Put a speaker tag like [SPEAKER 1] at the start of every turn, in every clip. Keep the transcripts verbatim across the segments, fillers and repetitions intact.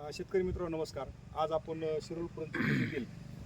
[SPEAKER 1] शेतकरी मित्रांनो नमस्कार. आज आपण शिरूर येथील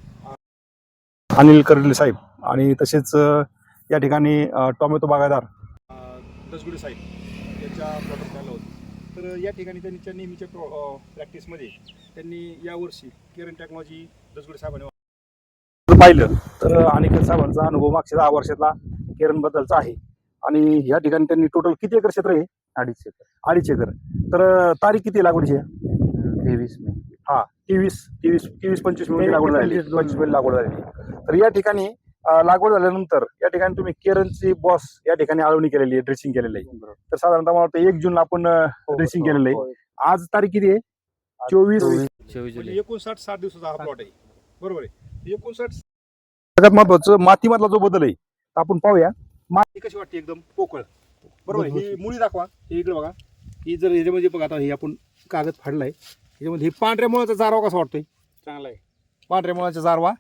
[SPEAKER 1] अनिल कर्डिले साहेब आणि तसेच या ठिकाणी टोमॅटो बागायतदार दसगुडे साहेब यांच्या प्लॉटवर आलो होतो. तर या ठिकाणी त्यांच्या नेहमीच्या प्रॅक्टिसमध्ये त्यांनी यावर्षी केरन टेक्नॉलॉजी दसगुडे साहेबांनी पाहिलं तर अनिकेत साहेबांचा अनुभव मागच्या दहा वर्षातला केरनबद्दलचा आहे. आणि या ठिकाणी त्यांनी टोटल किती एकर क्षेत्र आहे?
[SPEAKER 2] अडीच एकर
[SPEAKER 1] अडीच एकर. तर तारीख किती लागवडीची आहे?
[SPEAKER 2] तेवीस मे
[SPEAKER 1] हा तेवीस तेवीस तेवीस पंचवीस मध्ये लागवड झाली पंचवीस मध्ये लागवड झाली. तर या ठिकाणी लागवड झाल्यानंतर या ठिकाणी तुम्ही केरनची बॉस या ठिकाणी आळवणी केलेली आहे, ड्रेसिंग केलेलं आहे. तर साधारणतः मला वाटतं एक जूनला आपण ड्रेसिंग केलेलं आहे. आज तारीख किती आहे? चोवीस
[SPEAKER 2] चोवीस जुलै.
[SPEAKER 1] एकोणसाठ साठ दिवसाचा हा प्लॉट आहे, बरोबर आहे. एकोणसाठ सगळ्यात महत्वाचं मातीमधला जो बदल आहे आपण पाहूया. माती कशी वाटते? एकदम पोकळ, बरोबर आहे. ही मुळी दाखवा, हे इकडे बघा. ही जर ह्याच्यामध्ये बघा, आता हे आपण कागद फाडलाय, ह्याच्यामध्ये हे पांढऱ्या मुळाचा जारवा कसा वाटतोय? चांगला आहे. पांढऱ्या मुळाचा जारवा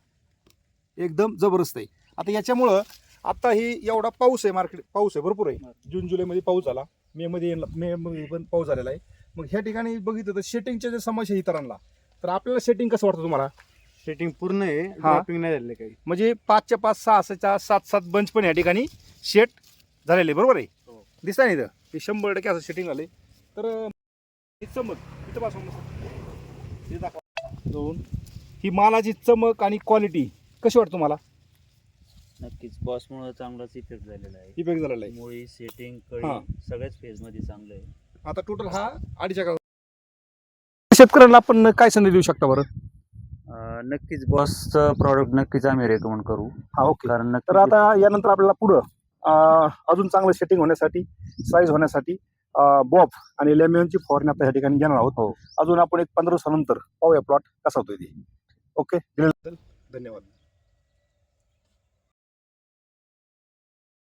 [SPEAKER 1] एकदम जबरदस्त आहे. आता याच्यामुळं आता ही एवढा पाऊस आहे, मार्केट पाऊस आहे, भरपूर आहे. जून जुलैमध्ये पाऊस झाला, मे मध्ये मे मध्ये पण पाऊस झालेला आहे. मग ह्या ठिकाणी बघितलं तर सेटिंगच्या जे समस्या इतरांना, तर आपल्याला सेटिंग कसं वाटतं तुम्हाला?
[SPEAKER 2] सेटिंग पूर्ण आहे, ड्रॉपिंग नाही झाले काही.
[SPEAKER 1] म्हणजे पाचच्या पाच सहा सहा सात सात बंच पण या ठिकाणी सेट झालेले, बरोबर आहे. दिसता नाही तर हे शंभर टक्के असं सेटिंग झाले. तर ही चमक इथं पासून हे दाखवा दोन, ही मालाची चमक आणि क्वालिटी कशी वाटतं तुम्हाला?
[SPEAKER 2] नक्कीच बॉसमुळे चांगलाच इफेक्ट झालेला आहे.
[SPEAKER 1] इफेक्ट झालेला आहे.
[SPEAKER 2] मुळी सेटिंग
[SPEAKER 1] हा.
[SPEAKER 2] कळी सगळ्याच फेज मध्ये चांगलं आहे.
[SPEAKER 1] आता टोटल हा अडीच एकर. शेतकऱ्यांना आपण काय संधी देऊ शकता बरं?
[SPEAKER 2] अं, नक्कीच बॉसचं प्रॉडक्ट नक्कीच आम्ही रेकमेंड करू.
[SPEAKER 1] हा, ओके.
[SPEAKER 2] कारण
[SPEAKER 1] तर आता यानंतर आपल्याला पुढं अजून चांगलं सेटिंग होण्यासाठी, साईज होण्यासाठी बॉब आणि लेमियनची फवारणी आता या ठिकाणी घेणार आहोत.
[SPEAKER 2] हो.
[SPEAKER 1] अजून आपण एक पंधरा दिवसानंतर पाहूया प्लॉट कसा होतोय ते. ओके, धन्यवाद.